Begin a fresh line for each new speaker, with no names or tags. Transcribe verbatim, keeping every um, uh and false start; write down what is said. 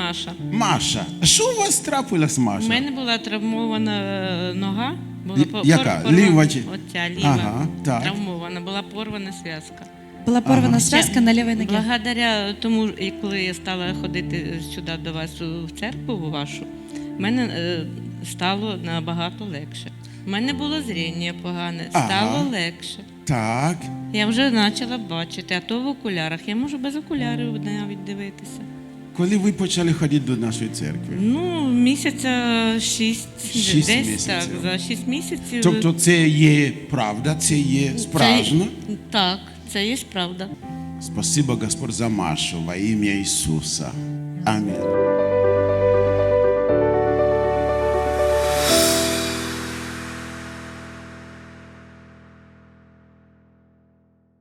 Маша.
Маша, що у вас трапилось, Маша?
У мене була травмована нога. Була
Й-
по-
яка?
порвана-
Ліва чи-
Оця ліва.
Ага, так.
Травмована, була порвана зв'язка.
Была порвана
Ага.
связка на левой ноге.
Благодаря тому, і коли я стала ходити сюди до вас у в церкву у вашу, в мене е, стало набагато легше. У мене було зріння погане,
Ага.
стало легше.
Так.
Я вже почала бачити, а то в окулярах. Я можу без окулярів навіть дивитися.
Коли ви почали ходити до нашої церкви?
Ну, місяця шість,
Шість
десь
місяців.
так, за шість місяців.
Тобто це є правда, це є справжньо?
Це, так, це є правда.
Спасибо, Господь, за Машу во ім'я Ісуса. Амінь.